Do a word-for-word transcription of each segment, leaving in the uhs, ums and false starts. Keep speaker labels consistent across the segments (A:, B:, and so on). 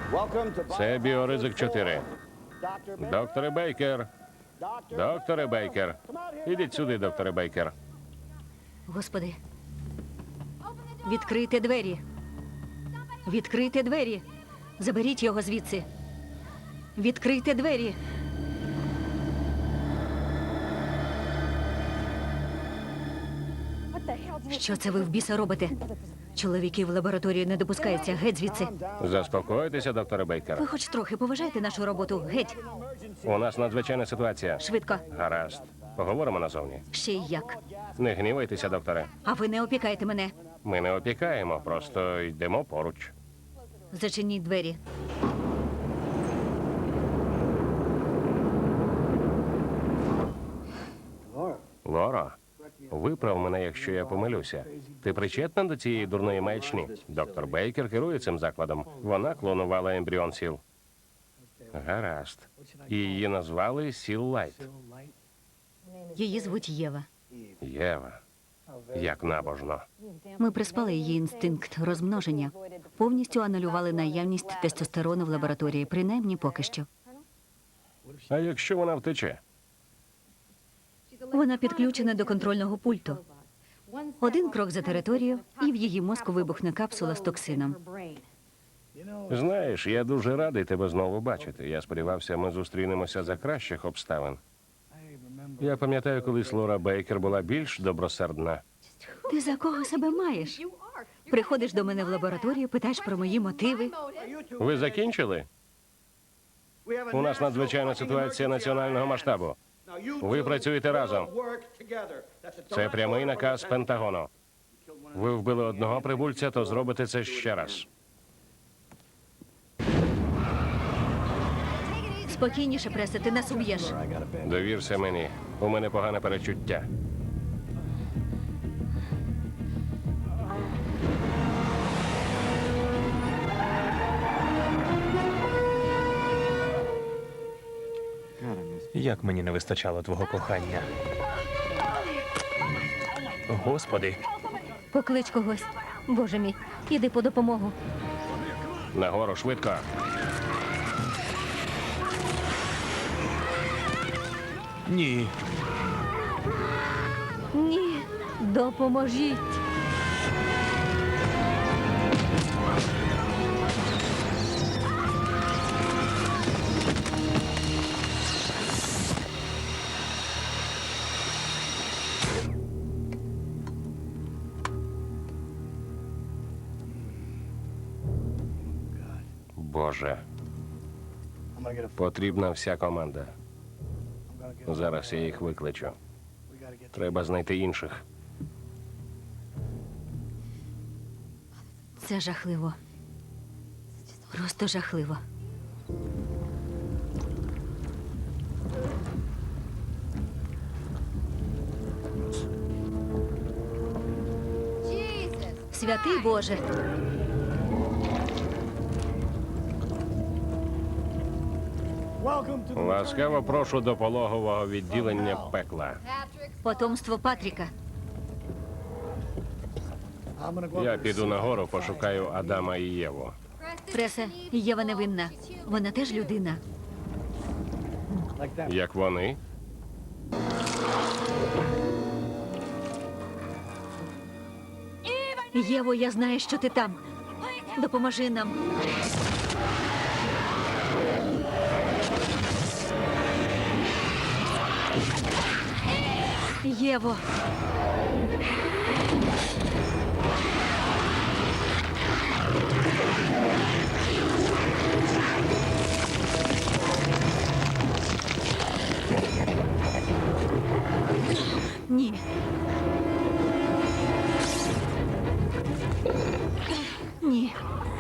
A: Це біоризик чотири. Докторе Бейкер. Докторе Бейкер. Ідіть сюди, докторе Бейкер.
B: Господи. Відкрийте двері. Відкрийте двері. Заберіть його звідси. Відкрийте двері. Що це ви в біса робите? Чоловіки в лабораторії не допускаються. Геть звідси.
A: Заспокойтеся, докторе Бейкер.
B: Ви хоч трохи поважайте нашу роботу. Геть.
A: У нас надзвичайна ситуація.
B: Швидко.
A: Гаразд. Поговоримо назовні.
B: Ще й як.
A: Не гнівайтеся, докторе.
B: А ви не опікаєте мене.
A: Ми не опікаємо, просто йдемо поруч.
B: Зачиніть двері.
A: Лоро, виправ мене, якщо я помилюся. Ти причетна до цієї дурної маячні? Доктор Бейкер керує цим закладом. Вона клонувала ембріон сіл. Гаразд. І її назвали Сіл Лайт.
B: Її звуть Єва.
A: Єва. Як набожно.
B: Ми приспали її інстинкт розмноження. Повністю анулювали наявність тестостерону в лабораторії, принаймні поки що.
A: А якщо вона втече?
B: Вона підключена до контрольного пульту. Один крок за територію, і в її мозку вибухне капсула з токсином.
A: Знаєш, я дуже радий тебе знову бачити. Я сподівався, ми зустрінемося за кращих обставин. Я пам'ятаю, колись Лора Бейкер була більш добросердна.
B: Ти за кого себе маєш? Приходиш до мене в лабораторію, питаєш про мої мотиви.
A: Ви закінчили? У нас надзвичайна ситуація національного масштабу. Ви працюєте разом. Це прямий наказ Пентагону. Ви вбили одного прибульця, то зробите це ще раз.
B: Спокійніше, преса, ти нас уб'єш.
A: Довірся мені. У мене погане перечуття.
C: Як мені не вистачало твого кохання. Господи,
B: Поклич когось. Боже мій, іди по допомогу.
A: Нагору, швидко.
C: ні.
B: Ні, допоможіть.
A: Боже. Потрібна вся команда. Зараз я їх викличу. Треба знайти інших.
B: Це жахливо. Просто жахливо. Святий Боже.
A: Ласкаво прошу до пологового відділення пекла.
B: Потомство Патріка.
A: Я піду нагору, пошукаю Адама і Єву.
B: Преса, Єва невинна. Вона теж людина.
A: Як вони?
B: Єво, я знаю, що ти там. Допоможи нам. Єво. Ні. Ні.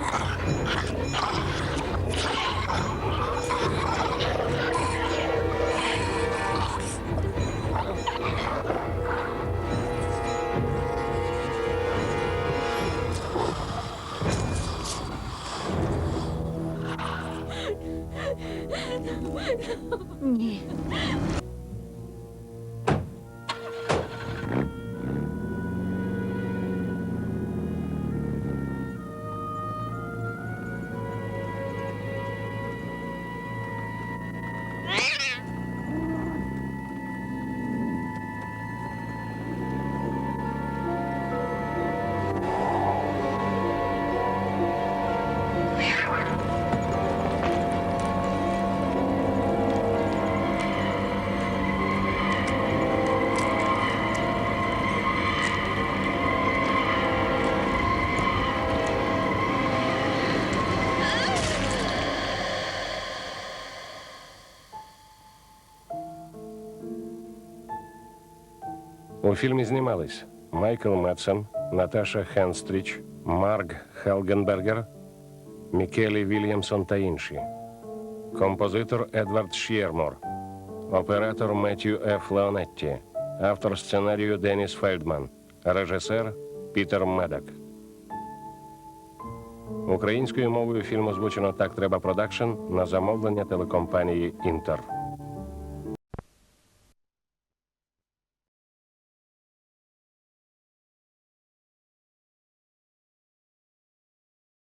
B: Ні.
A: У фільмі знімались Майкл Медсен, Наташа Хенстріч, Марг Хелгенбергер, Мікелі Вільямсон та інші. Композитор Едвард Ш'єрмор, оператор Меттью Ф. Леонетті, автор сценарію Деніс Фельдман, режисер Пітер Медак. Українською мовою фільм озвучено «Так треба продакшн» на замовлення телекомпанії «Інтер».